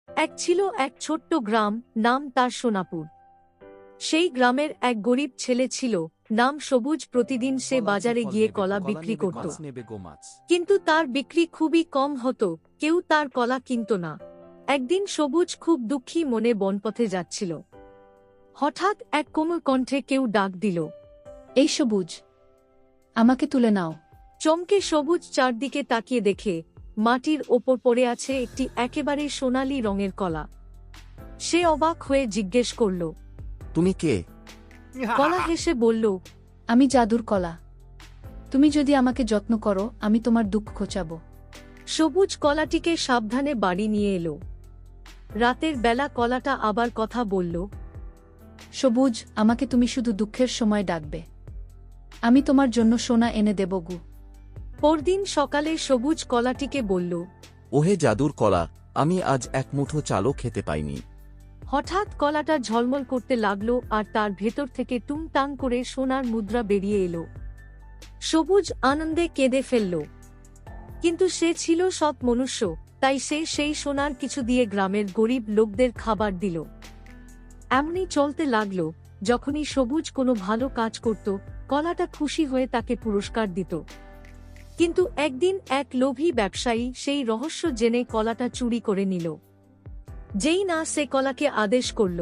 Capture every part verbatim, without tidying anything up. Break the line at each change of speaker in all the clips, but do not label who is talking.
এক ছিল এক ছোট্ট গ্রাম, নাম তার সোনাপুর। সেই গ্রামের এক গরিব ছেলে ছিল, নাম সবুজ। প্রতিদিন সে বাজারে গিয়ে কলা বিক্রি করত, কিন্তু তার বিক্রি খুবই কম হতো, কেউ তার কলা কিনত না। একদিন সবুজ খুব দুঃখী মনে বনপথে যাচ্ছিল। হঠাৎ এক কোমল কণ্ঠে কেউ ডাক দিল,
এই সবুজ, আমাকে তুলে নাও।
চমকে সবুজ চারদিকে তাকিয়ে দেখে মাটির ওপর পড়ে আছে একটি একেবারে সোনালী রঙের কলা। সে অবাক হয়ে জিজ্ঞেস করল,
তুমি কে?
কলা হেসে বলল,
আমি জাদুর কলা। তুমি যদি আমাকে যত্ন করো, আমি তোমার দুঃখ ঘোচাব।
সবুজ কলাটিকে সাবধানে বাড়ি নিয়ে এলো। রাতের বেলা কলাটা আবার কথা বলল,
সবুজ, আমাকে তুমি শুধু দুঃখের সময় ডাকবে, আমি তোমার জন্য সোনা এনে দেব গু।
পরদিন সকালে সবুজ কলাটিকে বলল,
ওহে জাদুর কলা, আমি আজ এক মুঠো চালও খেতে পাইনি।
হঠাৎ কলাটা ঝলমল করতে লাগল আর তার ভেতর থেকে টুংটাং করে সোনার মুদ্রা বেরিয়ে এলো। সবুজ আনন্দে কেঁদে ফেলল, কিন্তু সে ছিল সৎ মনুষ্য, তাই সে সেই সোনার কিছু দিয়ে গ্রামের গরিব লোকদের খাবার দিল। এমনি চলতে লাগল। যখনই সবুজ কোনো ভালো কাজ করত, কলাটা খুশি হয়ে তাকে পুরস্কার দিত। কিন্তু একদিন এক লোভী ব্যবসায়ী সেই রহস্য জেনে কলাটা চুরি করে নিল। যেই না সে কলাকে আদেশ করল,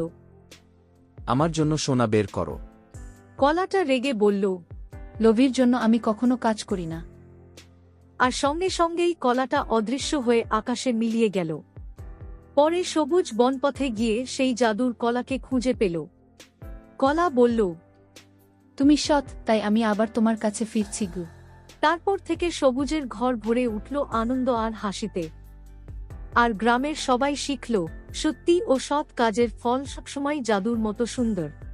আমার জন্য সোনা বের করো।
কলাটা রেগে বলল,
লোভীর জন্য আমি কখনো কাজ করি না।
আর সঙ্গে সঙ্গেই কলাটা অদৃশ্য হয়ে আকাশে মিলিয়ে গেল। পরে সবুজ বনপথে গিয়ে সেই জাদুর কলাকে খুঁজে পেল। কলা বলল,
তুমি সৎ, তাই আমি আবার তোমার কাছে ফিরছি গু।
তারপর থেকে সবুজের ঘর ভরে উঠল আনন্দ আর হাসিতে। আর গ্রামের সবাই শিখল, সত্যি ও সৎ কাজের ফল সবসময় জাদুর মতো সুন্দর।